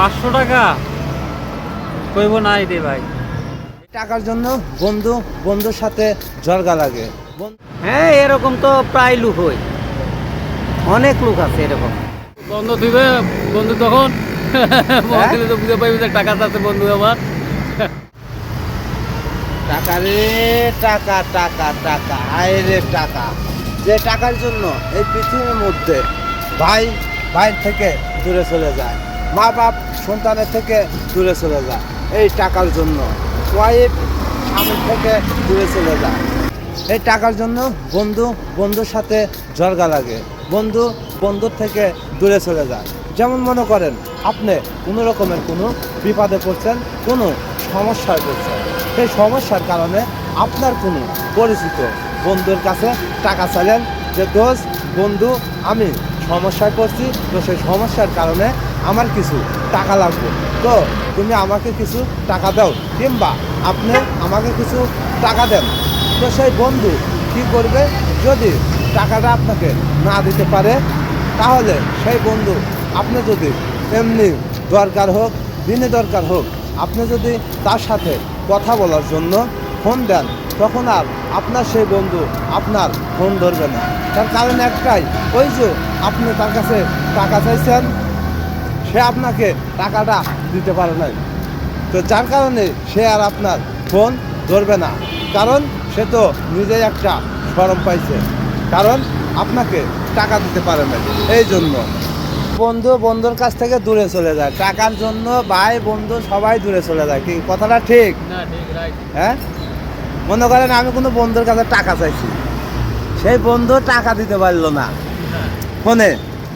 500 টাকা কইব নাই রে ভাই। টাকার জন্য বন্ধু বন্ধুর সাথে ঝগড়া লাগে। হ্যাঁ, এরকম তো প্রায় লোক হয়, অনেক লোক আছে এরকম। বন্ধ দিবে বন্ধু তখন বন্ধু তো বুঝে পাইবে যে টাকা আছে বন্ধু আমার। টাকা রে টাকা টাকা টাকা আয় রে টাকা। যে টাকার জন্য এই পৃথিবীর মধ্যে ভাই ভাইয়ের থেকে দূরে চলে যায়, মা বাপ সন্তানের থেকে দূরে চলে যায় এই টাকার জন্য, ওয়াইফ স্বামীর থেকে দূরে চলে যায় এই টাকার জন্য। বন্ধু বন্ধুর সাথে ঝগড়া লাগে, বন্ধু বন্ধুর থেকে দূরে চলে যায়। যেমন মনে করেন আপনি কোনো রকমের কোনো বিপদে পড়ছেন, কোনো সমস্যায় পড়ছেন, সেই সমস্যার কারণে আপনার কোনো পরিচিত বন্ধুর কাছে টাকা চাইলেন যে দোস্ত বন্ধু আমি সমস্যায় পড়ছি, তো সেই সমস্যার কারণে আমার কিছু টাকা লাগবে, তো তুমি আমাকে কিছু টাকা দাও, কিংবা আপনি আমাকে কিছু টাকা দেন। তো সেই বন্ধু কী করবে, যদি টাকাটা আপনাকে না দিতে পারে তাহলে সেই বন্ধু আপনি যদি এমনি দরকার হোক দিনে দরকার হোক আপনি যদি তার সাথে কথা বলার জন্য ফোন দেন, তখন আর আপনার সেই বন্ধু আপনার ফোন ধরবে না। তার কারণ একটাই, ওই যে আপনি তার কাছে টাকা চাইছেন, সে আপনাকে টাকাটা দিতে পারে নাই, তো যার কারণে সে আর আপনার ফোন ধরবে না, কারণ সে তো নিজেই একটা শরম পাইছে, কারণ আপনাকে টাকা দিতে পারে না। এই জন্য বন্ধু বন্ধুর কাছ থেকে দূরে চলে যায়, টাকার জন্য ভাই বন্ধু সবাই দূরে চলে যায়। কি কথাটা ঠিক? না ঠিক রাইট। হ্যাঁ, মনে করেন আমি কোনো বন্ধুর কাছে টাকা চাইছি, সেই বন্ধু টাকা দিতে পারলো না ফোনে,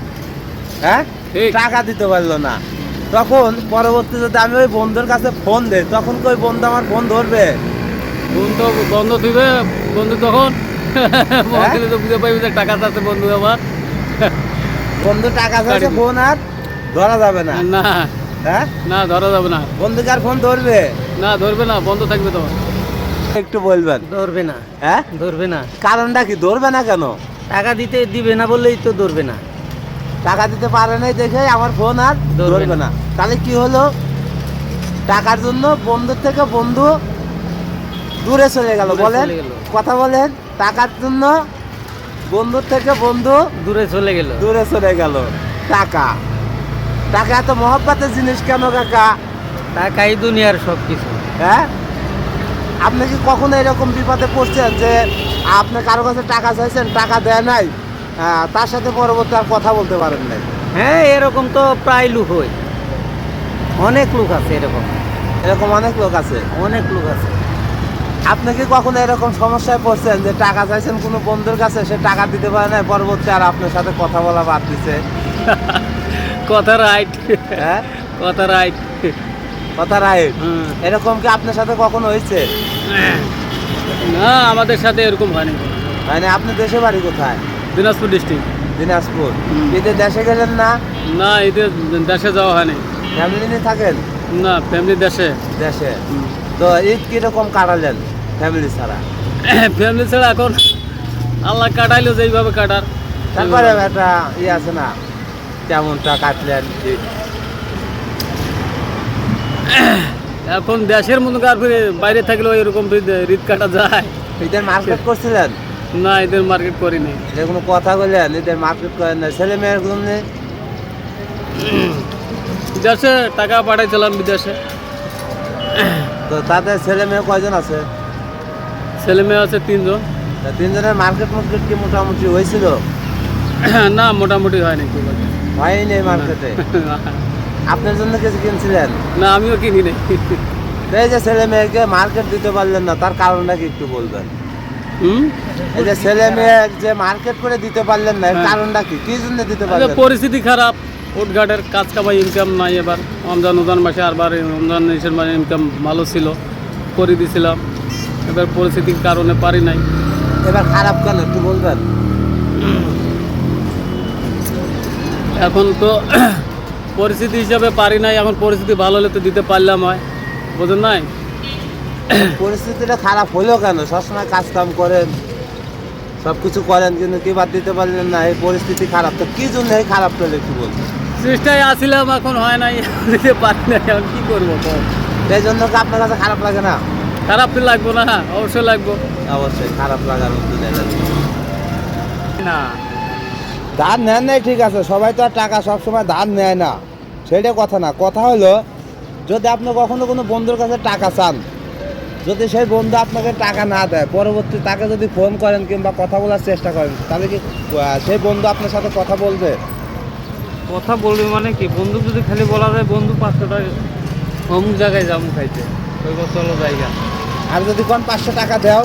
হ্যাঁ ঠিক। টাকা দিতে পারলো না, তখন পরবর্তী যদি আমি ওই বন্ধুর কাছে ফোন দেই তখন কি ওই বন্ধু আমার ফোন ধরবে? বন্ধু বন্ধ দিবে বন্ধু তখন বন্ধু তো বুঝে পাইবে যে টাকা আছে বন্ধু আমার। বন্ধু টাকা চাইছে, ফোন আর ধরা যাবে না। না হ্যাঁ, না ধরা যাবে না, বন্ধুকে আর ফোন ধরবে না ধরবে না, বন্ধ থাকবে তোমার। একটু বলবেন? ধরবে না, হ্যাঁ, ধরবে না। কারণটা কি ধরবে না কেন? টাকা দিবে না বললেই তো ধরবে না। টাকা দিতে পারে নাই দেখে আমার ফোন আর ধরবে ধরবে না। না। তাহলে কি হলো, টাকার জন্য বন্ধুর থেকে বন্ধু দূরে চলে গেল। দূরে বলেন, চলে গেল। কথা বলেন, টাকার জন্য বন্ধুর থেকে বন্ধু দূরে চলে গেল। দূরে চলে গেল। টাকা টাকা এত মহব্বতের জিনিস কেন কাকা? টাকাই দুনিয়ার সব কিছু। হ্যাঁ, আপনি কি কখনো এরকম বিপদে পড়ছেন যে আপনি কারো কাছে টাকা চাইছেন, টাকা দেয় নাই, তার সাথে পরবর্তী আর কথা বলতে পারেন নাই? হ্যাঁ, এরকম তো প্রায় লোক হয়, অনেক লোক আছে এরকম, এরকম অনেক লোক আছে। অনেক লোক আছে। আপনি কি কখনো এরকম সমস্যায় পড়ছেন যে টাকা চাইছেন কোনো বন্ধুর কাছে, সে টাকা দিতে পারে না, পরবর্তী আর আপনার সাথে কথা বলা বাদ দিছে? কথা রাইট, হ্যাঁ, কথা রাইট। কথা রাইট। এরকম কি আপনার সাথে কখনো হয়েছে? না আমাদের সাথে এরকম হয়নি। মানে আপনি দেশে বাড়ি কোথায়? দিনাজপুর ডিস্ট্রিক্ট। দিনাজপুর। ঈদে দেশে গেলেন না? না এতে দেশে যাওয়া হয়নি। ফ্যামিলি নিয়ে থাকেন? না ফ্যামিলি দেশে। দেশে। তো ঈদ কিরকম কাটালেন ফ্যামিলি ছাড়া? ফ্যামিলি ছাড়া এখন আল্লাহ কাটাইলো যেইভাবে কাটার। তারপরে একটা আছে না, কেমনটা কাটলেন ঈদ? এখন দেশের মতো আর বাইরে থাকলেও এরকম ঈদ কাটা যায়। ঈদের মার্কেট করছিলেন? না ঈদের মার্কেট করিনি। যে কোনো কথা বললেন ঈদের মার্কেট করেন না, ছেলে মেয়ের জন্য? দেশে টাকা পাঠাইছিলাম বিদেশে। তো তাদের ছেলে মেয়ে কয়জন আছে? ছেলে মেয়ে আছে 3 জন। তা 3 জনের মার্কেট মার্কেট কি মোটামুটি হয়েছিল? না মোটামুটি হয়নি খুব একটা। হয়নি মার্কেটে? আপনার জন্য কিছু কিনছিলেন? না আমিও কিনি নাই। এই যে ছেলে মেয়েকে মার্কেট দিতে পারলেন না, তার কারণটা কি একটু বলবেন? এই যে ছেলে মেয়ে যে মার্কেট করে দিতে পারলেন না, এর কারণটা কি, কি জন্য দিতে পারলেন? পরিস্থিতি খারাপ, উঠঘাটের কাজ কামাই ইনকাম নাই। এবার রমজান মাসে আরবার রমজান মাসের মানে ইনকাম ভালো ছিল, করে দিয়েছিলাম। এবার পরিস্থিতির কারণে পারি নাই। এবার খারাপ কেন একটু বলবেন? এখন তো পরিস্থিতি হিসাবে পারি নাই, এখন পরিস্থিতি ভালো হলে তো দিতে পারলাম হয়, বোঝেন নাই? পরিস্থিতিটা খারাপ হলো কেন? সবসময় কাজ কাম করেন, সব কিছু করেন, কিন্তু কি বাদ দিতে পারলেন না? এই পরিস্থিতি খারাপ, তো কি জন্য এই খারাপ হলো একটু বলবেন? চেষ্টায় আসছিলাম, এখন হয় নাই, দিতে পারি না, এখন কি করবো তো? এই জন্য কি আপনার কাছে খারাপ লাগে না? খারাপ তো লাগবো না, অবশ্যই লাগবো। অবশ্যই খারাপ লাগার মতো জায়গা না, ধার নেন নাই ঠিক আছে, সবাই তো আর টাকা সবসময় ধার নেয় না, সেটা কথা না। কথা হলো যদি আপনি কখনো কোনো বন্ধুর কাছে টাকা চান, যদি সেই বন্ধু আপনাকে টাকা না দেয়, পরবর্তী তাকে যদি ফোন করেন কিংবা কথা বলার চেষ্টা করেন, তাহলে কি সেই বন্ধু আপনার সাথে কথা বলবে? কথা বলবি মানে কি? বন্ধু যদি খালি বলা যায় বন্ধু 500 টাকা অমুক জায়গায় যাবো খাইতে, ওই চলো জায়গা। আর যদি কোন 500 টাকা দেও,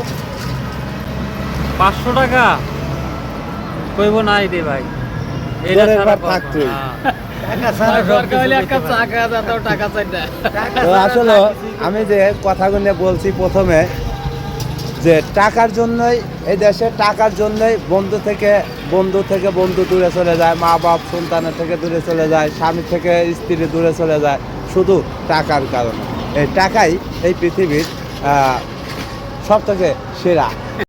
500 টাকা কইব নাই রে ভাই, জোরের ভার থাক তুই। টাকা ছাড়া সব দরকার হলে কিছু এক কাপ দিতে চা পারে। খাওয়া যেত, টাকা চাই না। টাকা তো ছাড়া আসলে যা কিছুই আমি যে কথাগুলো বলছি প্রথমে, যে টাকার জন্যই এই দেশে, টাকার জন্যই বন্ধু থেকে বন্ধু দূরে চলে যায়, মা বাপ সন্তানের থেকে দূরে চলে যায়, স্বামী থেকে স্ত্রী দূরে চলে যায়, শুধু টাকার কারণে। এই টাকাই এই পৃথিবীর সব থেকে সেরা।